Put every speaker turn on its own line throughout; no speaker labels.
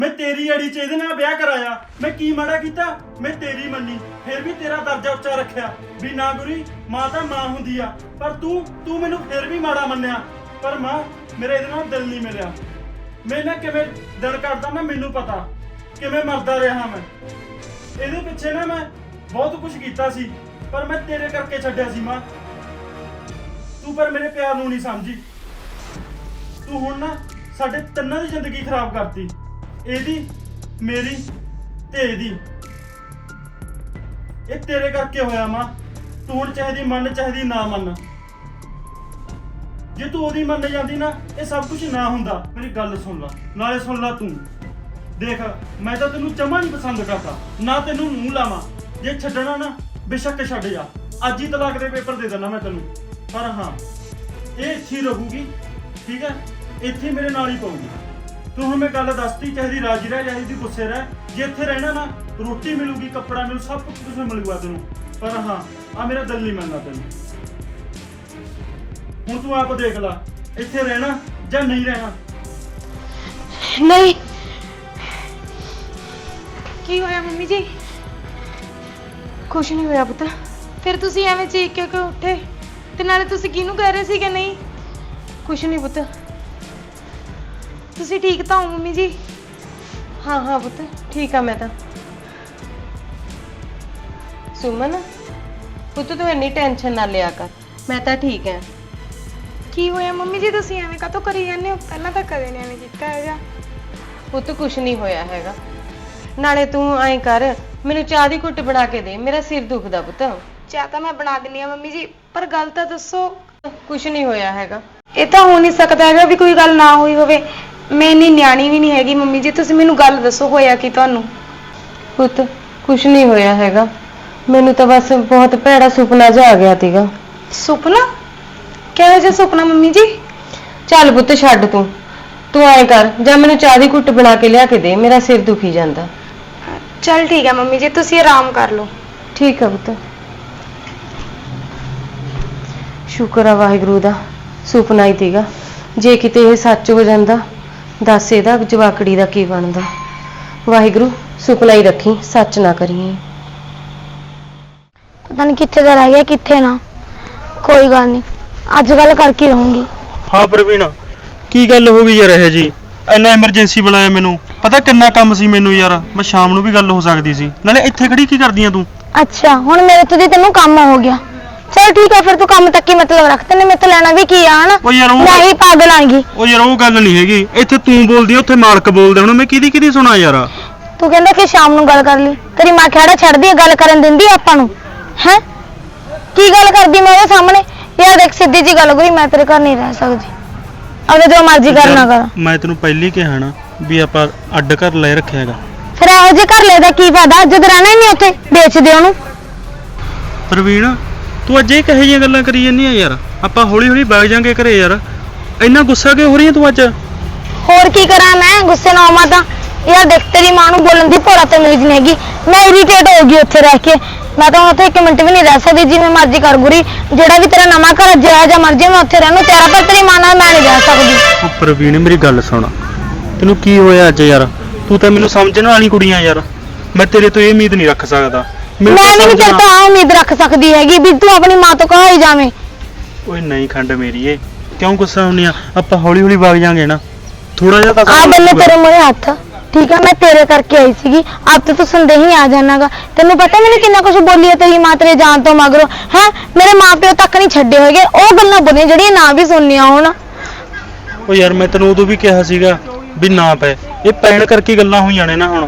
मैं तेरी अड़ी च ਇਹਦੇ ਨਾਲ ਵਿਆਹ ਕਰਾਇਆ। मैं की माड़ा कीता? मैं तेरी ਮੰਨੀ ਫਿਰ ਵੀ ਤੇਰਾ ਦਰਜਾ ਉੱਚਾ ਰੱਖਿਆ ਵੀ ਨਾ ਗੁਰੀ ਮਾਂ ਤਾਂ ਮਾਂ ਹੁੰਦੀ ਆ। ਪਰ ਤੂੰ ਮੈਨੂੰ ਫਿਰ ਵੀ ਮਾੜਾ ਮੰਨਿਆ। ਪਰ ਮਾਂ ਮੇਰੇ ਇਹਦੇ ਨਾਲ ਦਿਲ ਨਹੀਂ ਮਿਲਿਆ। ਮੈਂ ਨਾ ਕਿਵੇਂ ਦਿਲ ਕੱਢਦਾ ਨਾ ਮੈਨੂੰ ਪਤਾ ਕਿਵੇਂ ਮਰਦਾ ਰਿਹਾ ਮੈਂ। ਇਹਦੇ ਪਿੱਛੇ ਨਾ ਮੈਂ ਬਹੁਤ ਕੁਝ ਕੀਤਾ ਸੀ ਪਰ ਮੈਂ ਤੇਰੇ ਕਰਕੇ ਛੱਡਿਆ ਸੀ ਮਾਂ। ਤੂੰ ਪਰ ਮੇਰੇ ਪਿਆਰ ਨੂੰ ਨਹੀਂ ਸਮਝੀ। ਤੂੰ ਹੁਣ ਨਾ ਸਾਡੇ ਤਿੰਨਾਂ ਦੀ ਜ਼ਿੰਦਗੀ ਖਰਾਬ ਕਰਤੀ, ਇਹਦੀ ਮੇਰੀ ਤੇ ਇਹਦੀ। ਇਹ ਤੇਰੇ ਕਰਕੇ ਹੋਇਆ ਮਾਂ। ਤੂੰ ਹੁਣ ਚਾਹਦੀ ਮੰਨ ਚਾਹਦੀ ਨਾ ਮੰਨ। ਜੇ ਤੂੰ ਉਹਦੀ ਮੰਨ ਜਾਂਦੀ ਨਾ ਇਹ ਸਭ ਕੁਝ ਨਾ ਹੁੰਦਾ। ਮੇਰੀ ਗੱਲ ਸੁਣ ਲੈ, ਨਾਲੇ ਸੁਣ ਲੈ ਤੂੰ। ਦੇਖ ਮੈਂ ਤਾਂ ਤੈਨੂੰ ਜਮਾਂ ਨਹੀਂ ਪਸੰਦ ਕਰਦਾ, ਨਾ ਤੈਨੂੰ ਮੂੰਹ ਲਾਵਾਂ। ਜੇ ਛੱਡਣਾ ਨਾ ਬੇਸ਼ੱਕ ਛੱਡ ਜਾ। ਅੱਜ ਹੀ ਤਲਾਕ ਦੇ ਪੇਪਰ ਦੇ ਦੇਣਾ ਮੈਂ ਤੈਨੂੰ। ਪਰ ਹਾਂ ਇਹ ਇੱਥੇ ਹੀ ਰਹੂਗੀ, ਠੀਕ ਹੈ? ਇੱਥੇ ਮੇਰੇ ਨਾਲ ਹੀ ਪਊਗੀ। ਤੂੰ ਹੁਣ ਮੈਂ ਗੱਲ ਦੱਸਤੀ, ਚਾਹਦੀ ਰਾਜੀ ਰਹਿ ਚਾਹਦੀ ਗੁੱਸੇ ਰਹਿ। ਜੇ ਇੱਥੇ ਰਹਿਣਾ ਨਾ ਰੋਟੀ ਮਿਲੂਗੀ, ਕੱਪੜਾ ਮਿਲੂ, ਸਭ ਕੁਝ ਮਿਲੂਗਾ ਤੈਨੂੰ। ਪਰ ਹਾਂ ਆ ਮੇਰਾ ਦਿਲ ਨਹੀਂ ਮੰਨਦਾ ਤੈਨੂੰ। ਹੁਣ ਤੂੰ ਆਪ ਦੇਖ ਲੈ ਇੱਥੇ ਰਹਿਣਾ ਜਾਂ ਨਹੀਂ ਰਹਿਣਾ।
ਨਹੀਂ ਕੀ ਹੋਇਆ ਮੰਮੀ ਜੀ? ਕੁਛ ਨਹੀਂ ਹੋਇਆ ਪੁੱਤ। ਫਿਰ ਤੁਸੀਂ ਐਵੇਂ ਚੀਕ ਕੇ ਕਿਉਂ ਉੱਠੇ? ਤੇ ਨਾਲੇ ਤੁਸੀਂ ਕਿਹਨੂੰ ਕਹਿ ਰਹੇ ਸੀ ਕਿ ਨਹੀਂ? ਕੁਛ ਨਹੀਂ ਪੁੱਤ। ਤੁਸੀਂ ਠੀਕ ਤਾਂ ਹੋ ਮੰਮੀ ਜੀ? ਹਾਂ ਪੁੱਤ ਠੀਕ ਆ ਮੈਂ ਤਾਂ। ਸੁਮਨ ਪੁੱਤ ਤੂੰ ਇੰਨੀ ਟੈਨਸ਼ਨ ਨਾ ਲਿਆ ਕਰ, ਮੈਂ ਤਾਂ ਠੀਕ ਐ। ਕੀ ਹੋਇਆ ਮੰਮੀ ਜੀ? ਤੁਸੀਂ ਐਵੇਂ ਕਾਹਤੋਂ ਕਰੀ ਜਾਂਦੇ ਹੋ? ਪਹਿਲਾਂ ਤਾਂ ਕਦੇ ਨਹੀਂ ਐਵੇਂ ਕੀਤਾ ਹੈਗਾ। ਪੁੱਤ ਕੁਛ ਨਹੀਂ ਹੋਇਆ ਹੈਗਾ। ਨਾਲੇ ਤੂੰ ਐਂ ਕਰ ਮੈਨੂੰ ਚਾਹ ਦੀ ਘੁੱਟ ਬਣਾ ਕੇ ਦੇ, ਮੇਰਾ ਸਿਰ ਦੁਖਦਾ ਪੁੱਤ। ਚਾਹ ਤਾਂ ਮੈਂ ਬਣਾ ਦਿੰਨੀ ਆ ਮੰਮੀ ਜੀ, ਪਰ ਗੱਲ ਤਾਂ ਦੱਸੋ। ਕੁਛ ਨਹੀਂ ਹੋਇਆ ਹੈਗਾ। ਇਹ ਤਾਂ ਹੋ ਨਹੀਂ ਸਕਦਾ ਹੈਗਾ ਵੀ ਕੋਈ ਗੱਲ ਨਾ ਹੋਈ ਹੋਵੇ। ਮੈਂ ਇੰਨੀ ਨਿਆਣੀ ਵੀ ਨਹੀਂ ਹੈਗੀ ਮੰਮੀ ਜੀ, ਤੁਸੀਂ ਮੈਨੂੰ ਗੱਲ ਦੱਸੋ ਹੋਇਆ ਕੀ ਤੁਹਾਨੂੰ? ਪੁੱਤ ਕੁਛ ਨਹੀਂ ਹੋਇਆ ਹੈਗਾ, ਮੈਨੂੰ ਤਾਂ ਬਸ ਬਹੁਤ ਭੈੜਾ ਸੁਪਨਾ ਜਿਹਾ ਆ ਗਿਆ ਸੀਗਾ। ਸੁਪਨਾ? ਕਿਹੋ ਜਿਹਾ ਸੁਪਨਾ ਮੰਮੀ ਜੀ? ਚੱਲ ਪੁੱਤ ਛੱਡ ਤੂੰ ਐਂ ਕਰ ਜਾਂ ਮੈਨੂੰ ਚਾਹ ਦੀ ਘੁੱਟ ਬਣਾ ਕੇ ਲਿਆ ਕੇ ਦੇ, ਮੇਰਾ ਸਿਰ ਦੁਖੀ ਜਾਂਦਾ। ਚੱਲ ਠੀਕ ਹੈ ਮੰਮੀ ਜੀ, ਤੁਸੀਂ ਆਰਾਮ ਕਰ ਲਓ। ਠੀਕ ਹੈ ਪੁੱਤ। ਸ਼ੁਕਰ ਆ ਵਾਹਿਗੁਰੂ ਦਾ, ਸੁਪਨਾ ਹੀ ਸੀਗਾ। ਜੇ ਕਿਤੇ ਇਹ ਸੱਚ ਹੋ ਜਾਂਦਾ ਦੱਸ ਇਹਦਾ ਜਵਾਕੜੀ ਦਾ ਕੀ ਬਣਦਾ। ਵਾਹਿਗੁਰੂ ਸੁਪਨਾ ਹੀ ਰੱਖੀ, ਸੱਚ ਨਾ ਕਰੀਏ।
ਪਤਾ ਨਹੀਂ ਕਿੱਥੇ ਦਾ ਰਹਿ ਗਿਆ ਕਿੱਥੇ ਨਾ। ਕੋਈ ਗੱਲ ਨਹੀਂ, ਅੱਜ ਗੱਲ ਕਰਕੇ ਰਹੂੰਗੀ।
ਹਾਂ ਪ੍ਰਵੀਨ ਕੀ ਗੱਲ ਹੋ ਗਈ ਯਾਰ? ਇਹ ਜੀ ਇੰਨਾ ਐਮਰਜੈਂਸੀ ਬੁਲਾਇਆ ਮੈਨੂੰ, ਪਤਾ ਕਿੰਨਾ ਕੰਮ ਸੀ ਮੈਨੂੰ ਯਾਰ। ਮੈਂ ਸ਼ਾਮ ਨੂੰ ਵੀ ਗੱਲ ਹੋ ਸਕਦੀ ਸੀ। ਨਾਲੇ ਇੱਥੇ ਖੜੀ ਕੀ ਕਰਦੀ ਆ ਤੂੰ?
ਅੱਛਾ ਹੁਣ ਮੇਰੇ ਤੋਂ ਦੀ ਤੈਨੂੰ ਕੰਮ ਹੋ ਗਿਆ। ਚਲ ਠੀਕ ਹੈ ਫਿਰ ਤੂੰ ਕੰਮ ਤੱਕ ਹੀ ਮਤਲਬ ਰੱਖ। ਤੈਨੂੰ ਮੇਰੇ ਤੋਂ ਲੈਣਾ ਵੀ ਕੀ ਆ ਹਨਾ? ਮੈਂ ਹੀ ਪਾਗਲ ਆਂਗੀ।
ਉਹ ਯਾਰ ਉਹ ਗੱਲ ਨਹੀਂ ਹੈਗੀ। ਇੱਥੇ ਤੂੰ ਬੋਲਦੀ ਆ ਉੱਥੇ ਮਾਲਕ ਬੋਲਦਾ। ਹੁਣ ਮੈਂ ਕਿਹਦੀ ਸੁਣਾ ਯਾਰ?
ਤੂੰ ਕਹਿੰਦਾ ਕਿ ਸ਼ਾਮ ਨੂੰ ਗੱਲ ਕਰ ਲਈ। ਤੇਰੀ ਮਾਂ ਖੜਾ ਛੱਡਦੀ ਹੈ, ਗੱਲ ਕਰਨ ਦਿੰਦੀ ਆਪਾਂ ਨੂੰ ਹੈ? ਕੀ ਗੱਲ ਕਰਦੀ ਮੈਂ ਉਹਦੇ ਸਾਹਮਣੇ? ਯਾਰ ਦੇਖ ਸਿੱਧੀ ਜੀ ਗੱਲ ਕਰੀ, ਮੈਂ ਤੇਰੇ ਘਰ ਨਹੀਂ ਰਹਿ ਸਕਦੀ। ਅਗਰ ਜੋ ਮਰਜ਼ੀ ਕਰਨਾ ਕਰ।
ਮੈਂ ਤੈਨੂੰ ਪਹਿਲੀ ਕਿਹਾ ਨਾ ਵੀ ਆਪਾਂ ਅੱਡ ਘਰ ਲੈ ਰੱਖਿਆ ਹੈਗਾ।
ਫਿਰ ਇਹੋ ਜਿਹੇ ਘਰ ਲੈ ਦਾ ਕੀ ਫਾਇਦਾ ਜਦ ਰਹਿਣਾ ਹੀ ਨਹੀਂ ਉੱਥੇ? ਵੇਚ ਦੇ ਉਹਨੂੰ।
ਪ੍ਰਵੀਨ ਤੂੰ ਅੱਜ ਇਹ ਕਹੇ ਜਿਹੀਆਂ ਗੱਲਾਂ ਕਰੀ ਜਾਂਦੀ ਆ ਯਾਰ? ਆਪਾਂ ਹੌਲੀ ਹੌਲੀ ਵਗ ਜਾਾਂਗੇ ਘਰੇ ਯਾਰ। ਇੰਨਾ ਗੁੱਸਾ ਕਿਉਂ ਹੋ ਰਹੀ ਹੈ ਤੂੰ ਅੱਜ?
ਹੋਰ ਕੀ ਕਰਾਂ ਮੈਂ ਗੁੱਸੇ ਨਾਲ ਆਵਾਂ ਤਾਂ? ਯਾਰ ਦੇਖ ਤੇਰੀ ਮਾਂ ਨੂੰ ਬੋਲਣ ਦੀ ਭੋਰਾ ਤੇ ਮਿਲੀ ਨਹੀਂ ਹੈਗੀ। ਮੈਂ ਇਰੀਟੇਟ ਹੋ ਗਈ ਉੱਥੇ ਰਹਿ ਕੇ। ਮੈਂ ਤਾਂ ਉੱਥੇ 1 ਮਿੰਟ ਵੀ ਨਹੀਂ ਰਹਿ ਸਕਦੀ। ਜਿਵੇਂ ਮਰਜ਼ੀ ਕਰ ਗੁਰੀ, ਜਿਹੜਾ ਵੀ ਤੇਰਾ ਨਵਾਂ ਘਰ ਜਿਹੜਾ ਜਾਂ ਮਰਜ਼ੀ ਮੈਂ ਉੱਥੇ ਰਹਿਣ ਨੂੰ ਤਿਆਰ। ਪਰ ਤੇਰੀ ਮਾਂ ਨਾਲ ਮੈਂ ਨਹੀਂ ਰਹਿ ਸਕਦੀ।
ਉਹ ਪ੍ਰਵੀਨ ਮੇਰੀ ਗੱਲ ਸੁਣ, ਤੈਨੂੰ ਕੀ ਹੋਇਆ ਅੱਜ ਯਾਰ? ਤੂੰ ਤਾਂ ਮੈਨੂੰ ਸਮਝਣ ਵਾਲੀ ਕੁੜੀ ਆ ਯਾਰ। ਮੈਂ ਤੇਰੇ ਤੋਂ ਇਹ ਉਮੀਦ ਨਹੀਂ ਰੱਖ ਸਕਦਾ।
ਮੈਂ ਵੀ ਨਹੀਂ ਤੇਰੇ ਤੋਂ ਆ ਉਮੀਦ ਰੱਖ ਸਕਦੀ ਹੈਗੀ ਵੀ ਤੂੰ ਆਪਣੀ ਮਾਂ ਤੋਂ ਕਹਾਈ ਜਾਵੇਂ।
ਓਏ ਨਹੀਂ ਖੰਡ ਮੇਰੀ ਏ, ਕਿਉਂ ਗੁੱਸਾ ਹੁੰਨੀ ਆ? ਆਪਾਂ ਹੌਲੀ ਹੌਲੀ ਵਗ ਜਾਾਂਗੇ ਨਾ। ਥੋੜਾ ਜਿਹਾ ਤਾਂ
ਆ ਬੰਨੇ ਤੇਰੇ ਮੂਹਰੇ ਹੱਥ, ਠੀਕ ਆ? ਮੈਂ ਤੇਰੇ ਕਰਕੇ ਆਈ ਸੀਗੀ। ਆਪ ਤੇ ਤੂੰ ਸੰਦੇਹੀ ਆ ਜਾਣਾਗਾ। ਤੈਨੂੰ ਪਤਾ ਮੈਨੂੰ ਕਿੰਨਾ ਕੁਝ ਬੋਲੀ ਹੈ ਤੇਰੀ ਮਾਂ ਤੇਰੇ ਜਾਣ ਤੋਂ ਮਗਰੋਂ ਹੈ? ਮੇਰੇ ਮਾਂ ਪਿਓ ਤੱਕ ਨਹੀਂ ਛੱਡੇ ਹੋਏਗੇ। ਉਹ ਗੱਲਾਂ ਬੋਲੀਆਂ ਜਿਹੜੀਆਂ ਨਾ ਵੀ ਸੁਣਨੀਆਂ ਹੋਣ।
ਓ ਯਾਰ ਮੈਂ ਤੈਨੂੰ ਉਦੋਂ ਵੀ ਕਿਹਾ ਸੀਗਾ ਵੀ ਨਾ ਪੈ। ਇਹ ਪੈਣ ਕਰਕੇ ਗੱਲਾਂ ਹੋਈਆਂ ਨੇ ਨਾ ਹੁਣ।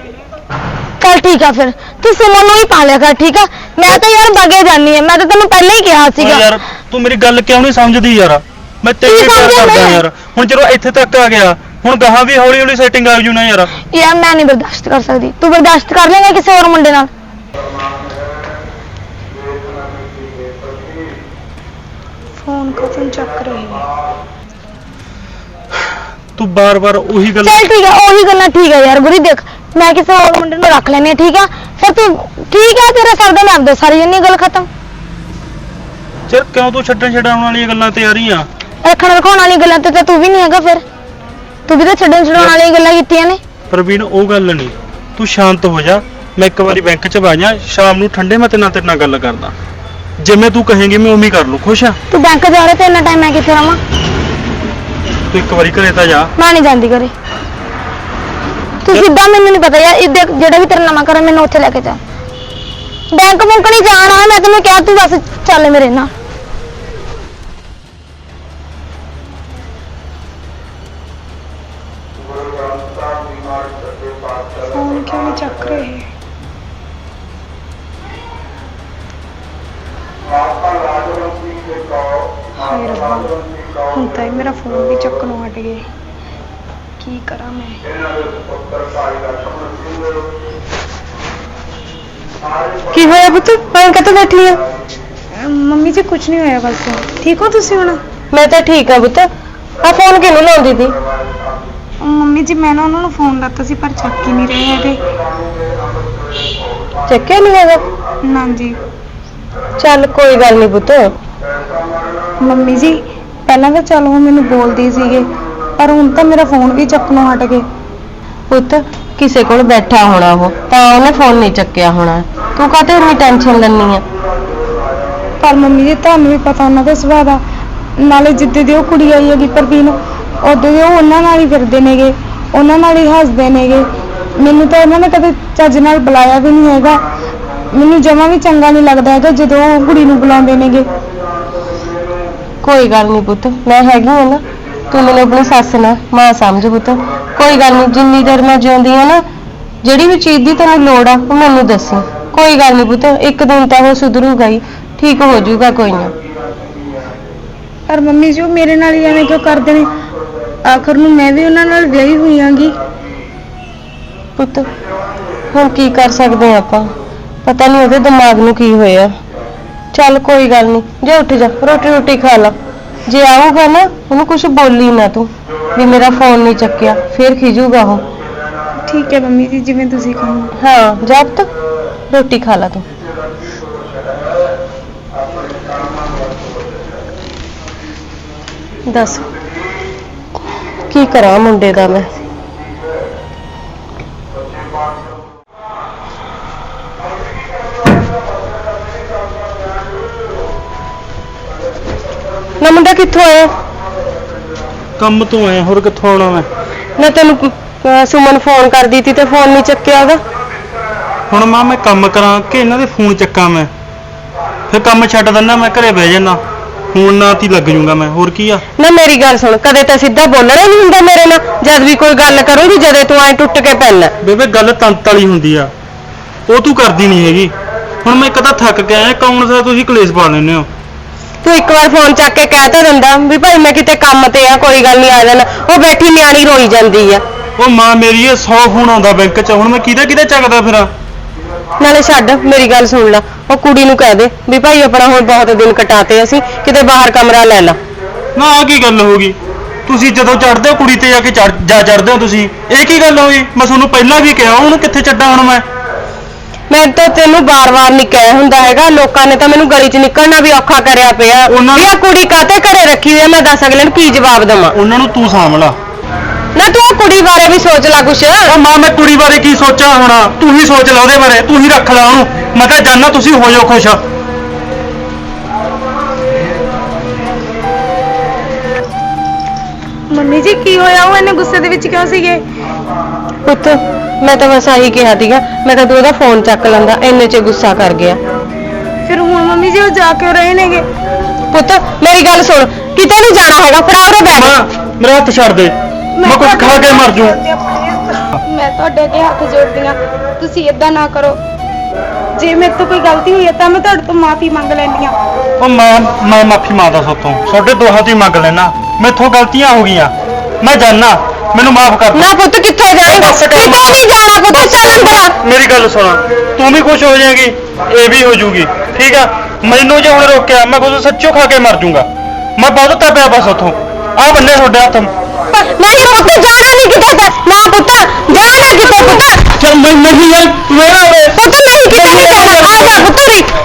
ਚੱਲ ਠੀਕ ਆ ਫਿਰ ਤੂੰ ਸੁਮਨ ਨੂੰ ਹੀ ਪਾ ਲਿਆ ਕਰ, ਠੀਕ ਆ? ਮੈਂ ਤਾਂ ਯਾਰ ਬਗੇ ਜਾਨੀ ਆ। ਮੈਂ ਤਾਂ ਤੈਨੂੰ ਪਹਿਲਾਂ ਹੀ ਕਿਹਾ ਸੀਗਾ।
ਯਾਰ ਤੂੰ ਮੇਰੀ ਗੱਲ ਕਿਉਂ ਨਹੀਂ ਸਮਝਦੀ ਯਾਰ? ਮੈਂ ਤੇਰੇ ਪਿਆਰ ਕਰਦਾ ਯਾਰ। ਹੁਣ ਚਲੋ ਇੱਥੇ ਤੱਕ ਆ ਗਿਆ, ਹੁਣ ਗਾਹਾਂ ਵੀ ਹੌਲੀ ਹੌਲੀ ਸੈਟਿੰਗ ਆ ਜੂ ਨਾ ਯਾਰ।
ਯਾਰ ਮੈਂ ਨਹੀਂ ਬਰਦਾਸ਼ਤ ਕਰ ਸਕਦੀ। ਤੂੰ ਬਰਦਾਸ਼ਤ ਕਰ ਲੇਗਾ ਕਿਸੇ ਹੋਰ ਮੁੰਡੇ ਨਾਲ? ਫੋਨ ਕਦੋਂ ਚੱਕ ਰਹੀ ਹੈ?
ਤੂੰ ਬਾਰ-ਬਾਰ ਉਹੀ ਗੱਲ।
ਚੱਲ ਠੀਕ ਆ ਉਹੀ ਗੱਲਾਂ ਠੀਕ ਆ ਯਾਰ। ਗੁਰੀ ਦੇਖ ਮੈਂ ਕਿਸੇ ਹੋਰ ਮੁੰਡੇ ਨੂੰ ਰੱਖ ਲੈਣੀ ਆ, ਠੀਕ ਆ? ਫਿਰ ਤੂੰ ਠੀਕ ਆ ਤੇਰਾ ਸਰਦਾ ਮੈਂ ਆਪਦਾ ਸਾਰੀ ਜੰਨੀ ਗੱਲ ਖਤਮ।
ਚਲ ਕਿਉਂ ਤੂੰ ਛੱਡਣ ਵਾਲੀਆਂ ਗੱਲਾਂ ਤੇ ਆ ਰਹੀ ਆ?
ਰੱਖਣ ਰਖਾਉਣ ਵਾਲੀ ਗੱਲਾਂ ਤੇ ਤਾਂ ਤੂੰ ਵੀ ਨਹੀਂ ਹੈਗਾ। ਫਿਰ ਤੂੰ ਵੀ ਤਾਂ ਛੱਡਣ ਛਡਾਉਣ ਵਾਲੀਆਂ ਗੱਲਾਂ ਕੀਤੀਆਂ ਨੇ।
ਪ੍ਰਵੀਨ ਉਹ ਗੱਲ ਨਹੀਂ, ਤੂੰ ਸ਼ਾਂਤ ਹੋ ਜਾ। ਮੈਂ ਇੱਕ ਵਾਰੀ ਬੈਂਕ 'ਚ ਵਗ ਜਾ, ਸ਼ਾਮ ਨੂੰ ਠੰਡੇ ਮੈਂ ਤੇਰੇ ਨਾਲ ਗੱਲ ਕਰਦਾ। ਜਿਵੇਂ ਤੂੰ ਕਹੇਂਗੀ ਮੈਂ ਉਵੇਂ ਹੀ ਕਰ ਲੂ। ਖੁਸ਼ ਆ?
ਤੂੰ ਬੈਂਕ ਜਾ ਰਿਹਾ ਤੇ ਇੰਨਾ ਟਾਈਮ ਮੈਂ ਕਿੱਥੇ ਰਵਾਂ?
ਤੂੰ ਇੱਕ ਵਾਰੀ ਘਰੇ ਤਾਂ ਜਾ।
ਮੈਂ ਨਹੀਂ ਜਾਂਦੀ ਘਰੇ। ਤੂੰ ਸਿੱਧਾ, ਮੈਨੂੰ ਨਹੀਂ ਪਤਾ ਯਾਰ, ਜਿਹੜਾ ਵੀ ਤੇਰਾ ਨਵਾਂ ਘਰ ਮੈਨੂੰ ਉੱਥੇ ਲੈ ਕੇ ਜਾ। ਬੈਂਕ ਬੁੰਕ ਨਹੀਂ ਜਾਣਾ, ਮੈਂ ਤੈਨੂੰ ਕਿਹਾ, ਤੂੰ ਬਸ ਚੱਲ ਮੇਰੇ ਨਾਲ।
ਫੋਨ ਕਿਉਂ ਨਹੀਂ ਚੱਕ ਰਹੇ? ਹਾਏ ਰੱਬਾ, ਹੁਣ ਤਾਂ ਇਹ ਮੇਰਾ ਫੋਨ ਵੀ ਚੱਕਣੋਂ ਹਟ ਗਏ। ਕੀ ਕਰਾਂ ਮੈਂ?
ਕੀ ਹੋਇਆ ਪੁੱਤ? ਮੈਂ ਕਿੱਥੇ ਬੈਠੀ ਆ?
ਮੰਮੀ ਜੀ ਕੁਝ ਨਹੀਂ ਹੋਇਆ, ਬਸ। ਠੀਕ ਹੋ ਤੁਸੀਂ ਹੁਣ?
ਮੈਂ ਤਾਂ ਠੀਕ ਆ ਪੁੱਤ। ਆ ਫੋਨ ਕਿਹਨੂੰ ਲਾਉਂਦੀ ਸੀ?
ਮੰਮੀ ਜੀ ਮੈਂ ਨਾ ਉਹਨਾਂ ਨੂੰ ਫੋਨ ਲਾਤਾ ਸੀ, ਪਰ ਚੱਕ ਹੀ ਨਹੀਂ ਰਹੇ ਹੈਗੇ।
ਚੱਕਿਆ ਨਹੀਂ ਹੈਗਾ?
ਨਾ ਜੀ।
ਚੱਲ ਕੋਈ ਗੱਲ ਨਹੀਂ ਪੁੱਤ।
ਮੰਮੀ ਜੀ ਪਹਿਲਾਂ ਤਾਂ ਚਲੋ ਉਹ ਮੈਨੂੰ ਬੋਲਦੇ ਸੀਗੇ, ਪਰ ਹੁਣ ਤਾਂ ਮੇਰਾ ਫੋਨ ਵੀ ਚੱਕਣੋਂ ਹਟ ਗਏ।
ਪੁੱਤ ਕਿਸੇ ਕੋਲ ਬੈਠਾ ਹੋਣਾ ਉਹ, ਤਾਂ ਉਹਨੇ ਫੋਨ ਨਹੀਂ ਚੱਕਿਆ ਹੋਣਾ। ਤੂੰ ਕਾਹਤੇ ਇੰਨੀ ਟੈਨਸ਼ਨ ਲੈਣੀ ਆ?
ਪਰ ਮੰਮੀ ਜੀ ਤੁਹਾਨੂੰ ਵੀ ਪਤਾ ਉਹਨਾਂ ਦਾ ਸੁਭਾਅ ਦਾ, ਨਾਲੇ ਜਿੱਦੇ ਦੀ ਉਹ ਕੁੜੀ ਆਈ ਹੈਗੀ ਪ੍ਰਵੀਨ, ਉਦੋਂ ਦੇ ਉਹ ਉਹਨਾਂ ਨਾਲ ਹੀ ਫਿਰਦੇ ਨੇਗੇ, ਉਹਨਾਂ ਨਾਲ ਹੀ ਹੱਸਦੇ ਨੇਗੇ। ਮੈਨੂੰ ਤਾਂ ਉਹਨਾਂ ਨੇ ਕਦੇ ਚੱਜ ਨਾਲ ਬੁਲਾਇਆ ਵੀ ਨਹੀਂ ਹੈਗਾ। ਮੈਨੂੰ ਜਮਾਂ ਵੀ ਚੰਗਾ ਨਹੀਂ ਲੱਗਦਾ ਹੈਗਾ ਜਦੋਂ ਉਹ ਕੁੜੀ ਨੂੰ ਬੁਲਾਉਂਦੇ ਨੇਗੇ।
ਕੋਈ ਗੱਲ ਨਹੀਂ ਪੁੱਤ, ਮੈਂ ਹੈਗੀ ਆ ਨਾ। ਤੂੰ ਮੈਨੂੰ ਆਪਣੀ ਸੱਸ ਨਾ ਮਾਂ ਸਮਝ ਪੁੱਤ। ਕੋਈ ਗੱਲ ਨਹੀਂ, ਜਿੰਨੀ ਦੇਰ ਮੈਂ ਜਿਉਂਦੀ ਆ ਨਾ, ਜਿਹੜੀ ਵੀ ਚੀਜ਼ ਦੀ ਤੈਨੂੰ ਲੋੜ ਆ ਉਹ ਮੈਨੂੰ ਦੱਸੀ। ਕੋਈ ਗੱਲ ਨਹੀਂ ਪੁੱਤ, ਇੱਕ ਦਿਨ ਤਾਂ ਉਹ ਸੁਧਰੂਗਾ ਹੀ, ਠੀਕ ਹੋ ਜਾਊਗਾ, ਕੋਈ ਨਾ।
ਪਰ ਮੰਮੀ ਜੀ ਉਹ ਮੇਰੇ ਨਾਲ ਹੀ ਐਵੇਂ ਕਿਉਂ ਕਰਦੇ ਨੇ? ਆਖਰ ਨੂੰ ਮੈਂ ਵੀ ਉਹਨਾਂ ਨਾਲ ਵਿਆਹੀ ਹੋਈ ਆਂਗੀ।
ਪੁੱਤ ਹੁਣ ਕੀ ਕਰ ਸਕਦੇ ਆ ਆਪਾਂ? ਪਤਾ ਨਹੀਂ ਉਹਦੇ ਦਿਮਾਗ ਨੂੰ ਕੀ ਹੋਇਆ। ਚੱਲ ਕੋਈ ਗੱਲ ਨਹੀਂ, ਜਾ ਉੱਠ ਜਾ, ਰੋਟੀ ਰੋਟੀ ਖਾ ਲਾ। ਜੇ ਆਊਗਾ ਨਾ ਉਹਨੂੰ ਕੁਝ ਬੋਲੀ ਨਾ ਤੂੰ ਵੀ ਮੇਰਾ ਫੋਨ ਨਹੀਂ ਚੱਕਿਆ, ਫੇਰ ਖਿਜੂਗਾ ਉਹ।
ਠੀਕ ਹੈ ਮੰਮੀ ਜੀ, ਜਿਵੇਂ ਤੁਸੀਂ ਕਹੋ।
ਹਾਂ ਜਾ ਪੁੱਤ, ਰੋਟੀ ਖਾ ਲਾ ਤੂੰ। ਦੱਸ ਕੀ ਕਰਾਂ ਮੁੰਡੇ ਦਾ ਮੈਂ? ਨਾ ਮੁੰਡਾ ਕਿੱਥੋਂ ਆਇਆ?
ਕੰਮ ਤੋਂ ਆਇਆ, ਹੋਰ ਕਿੱਥੋਂ ਆਉਣਾ ਮੈਂ?
ਨਾ ਤੈਨੂੰ ਸੁਮਨ ਫੋਨ ਕਰਦੀ ਤੀ ਤੇ ਫੋਨ ਨਹੀਂ ਚੱਕਿਆ ਉਹਦਾ।
ਹੁਣ ਮਾਂ ਮੈਂ ਕੰਮ ਕਰਾਂ ਕਿ ਇਹਨਾਂ ਦੇ ਫੋਨ ਚੱਕਾਂ ਮੈਂ? ਫਿਰ ਕੰਮ ਛੱਡ ਦਿੰਦਾ, ਮੈਂ ਘਰੇ ਬਹਿ ਜਾਣਾ। ਫੋਨ ਨਾਲ ਹੀ ਲੱਗ ਜੂੰਗਾ ਮੈਂ, ਹੋਰ ਕੀ ਆ?
ਨਾ ਮੇਰੀ ਗੱਲ ਸੁਣ, ਕਦੇ ਤਾਂ ਸਿੱਧਾ ਬੋਲਣਾ ਹੀ ਨਹੀਂ ਹੁੰਦਾ ਮੇਰੇ ਨਾਲ। ਜਦ ਵੀ ਕੋਈ ਗੱਲ ਕਰੂੰਗੀ ਜਦੇ ਤੂੰ ਐ ਟੁੱਟ ਕੇ ਪੈਣਾ।
ਬੇਬੇ ਗੱਲ ਤੰਤ ਵਾਲੀ ਹੁੰਦੀ ਆ, ਉਹ ਤੂੰ ਕਰਦੀ ਨਹੀਂ ਹੈਗੀ। ਹੁਣ ਮੈਂ ਇੱਕ ਤਾਂ ਥੱਕ ਕੇ ਆਇਆ, ਕੌਣ ਸਾ ਤੁਸੀਂ ਕਲੇਸ਼ ਪਾ ਲੈਂਦੇ ਹੋ।
ਤੂੰ ਇੱਕ ਵਾਰ ਫੋਨ ਚੱਕ ਕੇ ਕਹਿ ਤਾਂ ਦਿੰਦਾ ਵੀ ਭਾਈ ਮੈਂ ਕਿਤੇ ਕੰਮ ਤੇ ਆ, ਕੋਈ ਗੱਲ ਨਹੀਂ ਆ ਜਾਣਾ। ਉਹ ਬੈਠੀ ਨਿਆਣੀ ਰੋਈ ਜਾਂਦੀ ਆ।
ਉਹ ਮਾਂ ਮੇਰੀ ਇਹ 100 ਫੋਨ ਆਉਂਦਾ ਬੈਂਕ 'ਚ, ਹੁਣ ਮੈਂ ਕਿਹਦੇ ਚੱਕਦਾ ਫਿਰਾਂ?
ਨਾਲੇ ਛੱਡ, ਮੇਰੀ ਗੱਲ ਸੁਣ ਲੈ, ਉਹ ਕੁੜੀ ਨੂੰ ਕਹਿ ਦੇ ਵੀ ਭਾਈ ਆਪਣਾ ਹੁਣ ਬਹੁਤ ਦਿਨ ਕਟਾਤੇ, ਅਸੀਂ ਕਿਤੇ ਬਾਹਰ ਕਮਰਾ ਲੈ ਲਾ।
ਨਾ ਆਹ ਕੀ ਗੱਲ ਹੋ ਗਈ? ਤੁਸੀਂ ਜਦੋਂ ਚੜਦੇ ਹੋ ਕੁੜੀ ਤੇ ਜਾ ਕੇ ਚੜਦੇ ਹੋ ਤੁਸੀਂ, ਇਹ ਕੀ ਗੱਲ ਹੋਈ? ਮੈਂ ਤੁਹਾਨੂੰ ਪਹਿਲਾਂ ਵੀ ਕਿਹਾ, ਉਹਨੂੰ ਕਿੱਥੇ ਛੱਡਾਂ ਹੁਣ
ਮੈਂ ਤਾਂ ਤੈਨੂੰ ਬਾਰ-ਬਾਰ ਨਹੀਂ ਕਹਿ ਹੁੰਦਾ ਹੈਗਾ। ਲੋਕਾਂ ਨੇ ਤਾਂ ਮੈਨੂੰ ਗਲੀ 'ਚ ਨਿਕਲਣਾ ਵੀ ਔਖਾ ਕਰਿਆ ਪਿਆ ਵੀ ਆ ਕੁੜੀ ਕਾਤੇ ਘਰੇ ਰੱਖੀ ਹੋਈ ਆ। ਮੈਂ ਦੱਸ ਅਗਲੇ ਨੂੰ ਕੀ ਜਵਾਬ ਦੇਵਾਂ?
ਉਹਨਾਂ ਨੂੰ ਤੂੰ ਸਾਂਭਲਾ
ਨਾ ਤੂੰ ਆ ਕੁੜੀ ਬਾਰੇ ਵੀ ਸੋਚ ਲੈ ਕੁਛ।
ਉਹ ਮਾਂ ਮੈਂ ਕੁੜੀ ਬਾਰੇ ਕੀ ਸੋਚਾਂ ਹੁਣ? ਤੂੰ ਹੀ ਸੋਚ ਲੈ ਉਹਦੇ ਬਾਰੇ, ਤੂੰ ਹੀ ਰੱਖ ਲੈ ਉਹਨੂੰ। ਮੈਂ ਤਾਂ ਜਾਨਾ, ਤੁਸੀਂ ਹੋ ਜਾਓ ਖੁਸ਼।
ਮੰਮੀ ਜੀ ਕੀ ਹੋਇਆ? ਉਹ ਇੰਨੇ ਗੁੱਸੇ ਦੇ ਵਿੱਚ ਕਿਉਂ ਸੀਗੇ?
ਪੁੱਤ ਮੈਂ ਤਾਂ ਬਸ ਆਹੀ ਕਿਹਾ ਸੀਗਾ, ਮੈਂ ਤਾਂ ਤੂੰ ਉਹਦਾ ਫੋਨ ਚੱਕ ਲੈਂਦਾ, ਇੰਨੇ 'ਚ ਗੁੱਸਾ ਕਰ ਗਿਆ।
ਫਿਰ ਹੁਣ ਮੰਮੀ ਜੀ ਉਹ ਜਾ ਕਿਉਂ ਰਹੇ ਨੇਗੇ?
ਪੁੱਤ ਮੇਰੀ ਗੱਲ ਸੁਣ, ਕਿਤੇ ਨਹੀਂ ਜਾਣਾ ਹੈਗਾ, ਫੜਾ ਉਰੇ ਬੈਠ।
ਮਾਂ ਮੇਰਾ ਹੱਥ ਛੱਡ ਦੇ, ਮੈਂ ਕੁਝ ਖਾ ਕੇ ਮਰ ਜੂ।
ਮੈਂ ਤੁਹਾਡੇ ਅੱਗੇ ਹੱਥ ਜੋੜਦੀ ਹਾਂ, ਤੁਸੀਂ ਇਦਾਂ ਨਾ ਕਰੋ। ਜੇ ਮੇਰੇ ਤੋਂ ਕੋਈ ਗਲਤੀ ਹੋਈ ਹੈ ਤਾਂ ਮੈਂ ਤੁਹਾਡੇ ਤੋਂ ਮਾਫੀ ਮੰਗ ਲੈਂਦੀ ਹਾਂ।
ਉਹ ਮੈਂ ਮਾਫੀ ਮੰਗਦਾ ਸੋਤੋਂ, ਤੁਹਾਡੇ ਦੋਹਾਂ ਤੋਂ ਹੀ ਮੰਗ ਲੈਣਾ। ਮੈਥੋਂ ਗਲਤੀਆਂ ਹੋ ਗਈਆਂ, ਮੈਂ ਜਾਨਾ, ਮੈਨੂੰ ਮਾਫ ਕਰ।
ਨਾ ਪੁੱਤ ਕਿੱਥੇ ਜਾਏਂਗਾ? ਕਿਤੇ ਨਹੀਂ ਜਾਣਾ ਪੁੱਤ, ਚੱਲ ਅੰਦਰ।
ਮੇਰੀ ਗੱਲ ਸੁਣ, ਤੂੰ ਵੀ ਖੁਸ਼ ਹੋ ਜਾਏਗੀ, ਇਹ ਵੀ ਹੋ ਜੂਗੀ, ਠੀਕ ਆ? ਮੈਨੂੰ ਜੇ ਹੁਣ ਰੋਕਿਆ ਮੈਂ ਕੁਝ ਸੱਚੋ ਖਾ ਕੇ ਮਰ ਜੂੰਗਾ। ਮੈਂ ਬਹੁਤ ਤਾਂ ਪਿਆ ਬਸ ਉੱਥੋਂ ਆ ਬੰਨੇ ਤੁਹਾਡੇ ਹੱਥ।
ਨਹੀਂ ਪੁੱਤ ਜਾਣਾ ਨਹੀਂ ਕਿਤੇ, ਨਾ ਪੁੱਤ ਜਾਣਾ ਕਿਤੇ ਪੁੱਤ।
ਚੱਲ ਮੈਂ ਨਹੀਂ ਯਾਰ, ਮੇਰਾ
ਪੁੱਤ ਨਹੀਂ ਕਿਤੇ ਨਹੀਂ ਜਾਣਾ, ਆ ਜਾ ਪੁੱਤ ਰੇ।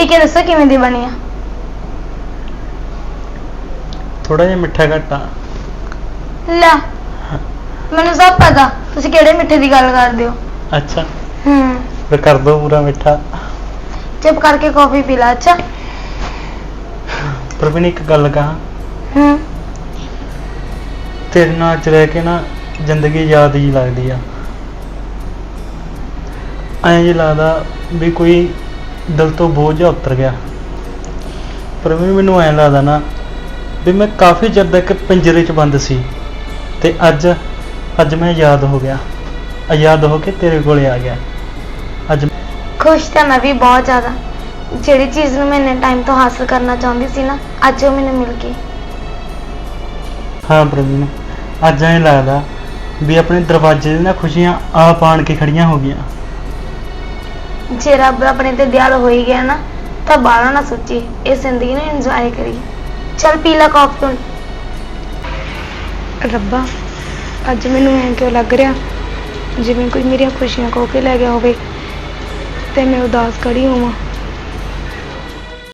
ਪੀ ਕੇ ਦੱਸੋ ਕਿਵੇਂ ਦੀ ਬਣੀ ਆ?
ਥੋੜਾ ਜਿਹਾ ਮਿੱਠਾ ਘੱਟ ਆ।
ਲੈ ਮੈਨੂੰ ਸਭ ਪਤਾ ਤੁਸੀਂ ਕਿਹੜੇ ਮਿੱਠੇ ਦੀ ਗੱਲ ਕਰਦੇ ਹੋ।
ਅੱਛਾ,
ਹੂੰ
ਫਿਰ ਕਰ ਦੋ ਪੂਰਾ ਮਿੱਠਾ।
ਚੁੱਪ ਕਰਕੇ ਕੌਫੀ ਪੀ ਲਾ। ਅੱਛਾ
ਪਰ ਵੀ ਇੱਕ ਗੱਲ ਕਹਾਂ,
ਹੂੰ
ਤੇਰੇ ਨਾਲ ਅੱਜ ਰਹਿ ਕੇ ਨਾ ਜ਼ਿੰਦਗੀ ਯਾਦ ਹੀ ਲੱਗਦੀ ਆ। ਐਂ ਜੀ ਲੱਗਦਾ ਵੀ ਕੋਈ ਦਿਲ ਤੋਂ ਬੋਝ ਜਿਹਾ ਉਤਰ ਗਿਆ। ਪਰ ਵੀ ਮੈਨੂੰ ਐਂ ਲੱਗਦਾ ਨਾ ਵੀ ਮੈਂ ਕਾਫੀ ਚਿਰ ਤੱਕ ਪਿੰਜਰੇ 'ਚ ਬੰਦ ਸੀ ਤੇ ਅੱਜ ਮੈਂ ਆਜ਼ਾਦ ਹੋ ਗਿਆ, ਆਜ਼ਾਦ ਹੋ ਕੇ ਤੇਰੇ ਕੋਲੇ ਆ ਗਿਆ। ਅੱਜ
ਖੁਸ਼ ਤਾਂ ਮੈਂ ਵੀ ਬਹੁਤ ਜ਼ਿਆਦਾ। ਜਿਹੜੀ ਚੀਜ਼ ਨੂੰ ਮੈਂ ਇੰਨੇ ਟਾਈਮ ਤੋਂ ਹਾਸਲ ਕਰਨਾ ਚਾਹੁੰਦੀ ਸੀ ਨਾ, ਅੱਜ ਉਹ ਮੈਨੂੰ ਮਿਲ ਗਈ।
ਹਾਂ ਪ੍ਰਵੀਨ, ਅੱਜ ਐਂ ਲੱਗਦਾ ਵੀ ਆਪਣੇ ਦਰਵਾਜ਼ੇ 'ਤੇ ਨਾ ਖੁਸ਼ੀਆਂ ਆਪ ਆਣ ਕੇ ਖੜੀਆਂ ਹੋ ਗਈਆਂ।
ਜੇ ਰੱਬ ਆਪਣੇ ਤੇ ਦਿਆਲ ਹੋ ਹੀ ਗਿਆ ਨਾ ਤਾਂ ਬਾਹਲਾ ਨਾ ਸੋਚੀ, ਇਹ ਜ਼ਿੰਦਗੀ ਨੂੰ ਇੰਜੋਏ ਕਰੀ। ਚੱਲ ਪੀ ਲਾ ਕੌਫੀ ਹੁਣ।
ਰੱਬਾ, ਅੱਜ ਮੈਨੂੰ ਐਂ ਕਿਉਂ ਲੱਗ ਰਿਹਾ ਜਿਵੇਂ ਕੋਈ ਮੇਰੀਆਂ ਖੁਸ਼ੀਆਂ ਖੋਹ ਕੇ ਲੈ ਗਿਆ ਹੋਵੇ ਤੇ ਮੈਂ ਉਦਾਸ ਖੜੀ ਹੋਵਾਂ।